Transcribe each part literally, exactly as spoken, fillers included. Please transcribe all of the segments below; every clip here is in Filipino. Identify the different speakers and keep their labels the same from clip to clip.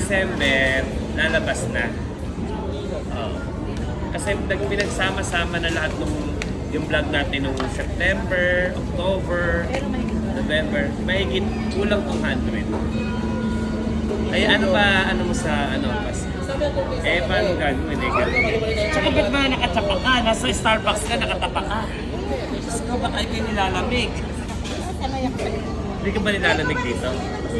Speaker 1: December, lalabas na. Oh. Kasi nag pinagsama-sama na lahat ng yung vlog natin nung September, October, November. Mahigit kulang two hundred. Ay ano ba, ano mo sa ano pas? Eh paano gagawin eh gagawin? Tsaka ba't ba nakatapa ka? Nasa Starbucks ka, nakatapa ka. Diyos ko, baka kayo nilalamig. Hindi ka ba nilalamig dito?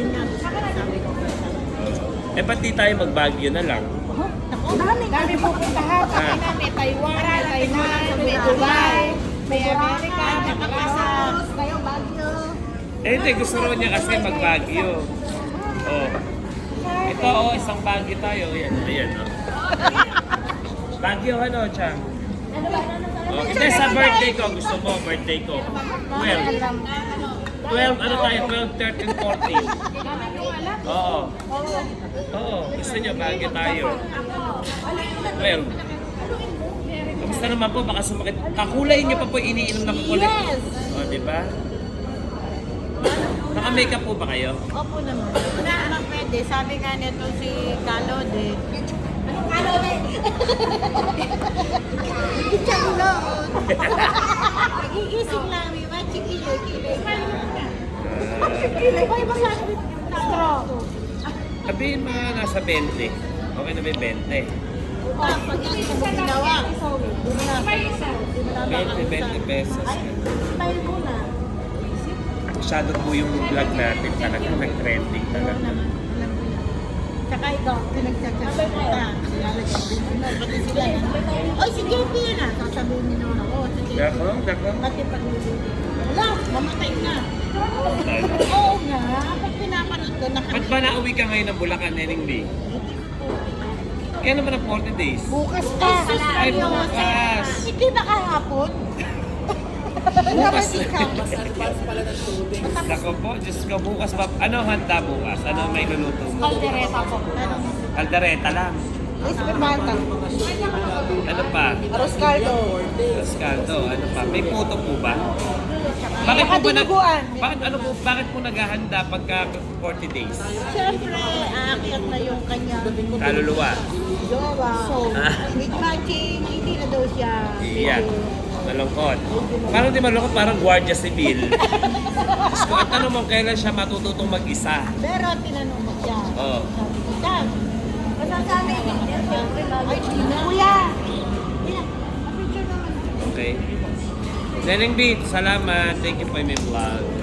Speaker 1: Eh ba't di tayo mag-Baguio na lang?
Speaker 2: Dami. Dami pupuntahan.
Speaker 1: Ah.
Speaker 2: May Taiwan, may Tainan, may Dubai, may Amerika, may Pakistan. Kayo, Baguio.
Speaker 1: Eh hindi, gusto rin niya kasi mag-Baguio. Oh. Ito oh, isang Baguio tayo. Ayan, ayan oh. Baguio ano, Chang? Oh, hindi, sa birthday ko. Gusto mo, birthday ko. twelve. twelve, ano tayo? twelve, thirteen, fourteen. Oo. Oo, gusto niyo, Baguio tayo. twelve. Kamusta naman po? Baka sumakit. Kakulay niyo pa po iniinom na kukulit.
Speaker 2: Yes.
Speaker 1: O, di ba? Naka-makeup po ba kayo?
Speaker 2: Opo naman. Wala naman pwede. Sabi nga nito si Kalod eh. Anong Kalod eh? Kalod. Nagigising lang. May mga chikilay-kilay. Chikilay. Ay, baka straw.
Speaker 1: Sabihin mga nasa twenty. Okay na ba yung twenty?
Speaker 2: Pag hindi mo ginawa.
Speaker 1: twenty, twenty pesos.
Speaker 2: Tayo muna.
Speaker 1: Masyado po yung vlog natin talaga nag-trending talaga.
Speaker 2: Tsaka ikaw, pinagtsatsak ka. Lalagyan din sila. Pati sila na. Oy, si J P na. Sasabihin niyo naman ako. Si J P.
Speaker 1: Dako, dako.
Speaker 2: Pati pag wala, mamatay na. Oo nga. Pag pinapanood ko,
Speaker 1: Ba't
Speaker 2: nakakita.
Speaker 1: ba nauwi ka ngayon ng Bulacan, Neneng B? Kaya naman ang forty days.
Speaker 2: Bukas pa.
Speaker 1: Ay, bukas.
Speaker 2: Hindi ba kahapon?
Speaker 1: Bukas.
Speaker 2: Tapos ikaw.
Speaker 1: Dako po, Diyos ko, bukas ba? Ano ang handa bukas? Ano ang may luluto mo?
Speaker 2: Kaldereta po.
Speaker 1: Kaldereta lang.
Speaker 2: Ay, supermanta.
Speaker 1: Ano pa?
Speaker 2: Arroz caldo.
Speaker 1: Rascaldo, ano pa? May puto po ba? Bakit po ba nag...
Speaker 2: Dinuguan.
Speaker 1: Bakit, ano po, bakit po naghahanda pagka forty days?
Speaker 2: Siyempre, aakyat na yung kanya.
Speaker 1: Kaluluwa.
Speaker 2: Jowa. So,
Speaker 1: Ah.
Speaker 2: with matching, hindi na daw siya.
Speaker 1: Iyan. Malungkot. Parang di malungkot, parang Guardia Civil. Diyos ko, at tanong mo kailan siya matututong mag-isa?
Speaker 2: Pero tinanong mo siya.
Speaker 1: Oo.
Speaker 2: Sabi ko, Dad, masasabi ko. Ay, di na. Kuya! Kuya, picture naman.
Speaker 1: Okay. Neneng Beat, salamat. Thank you for my vlog.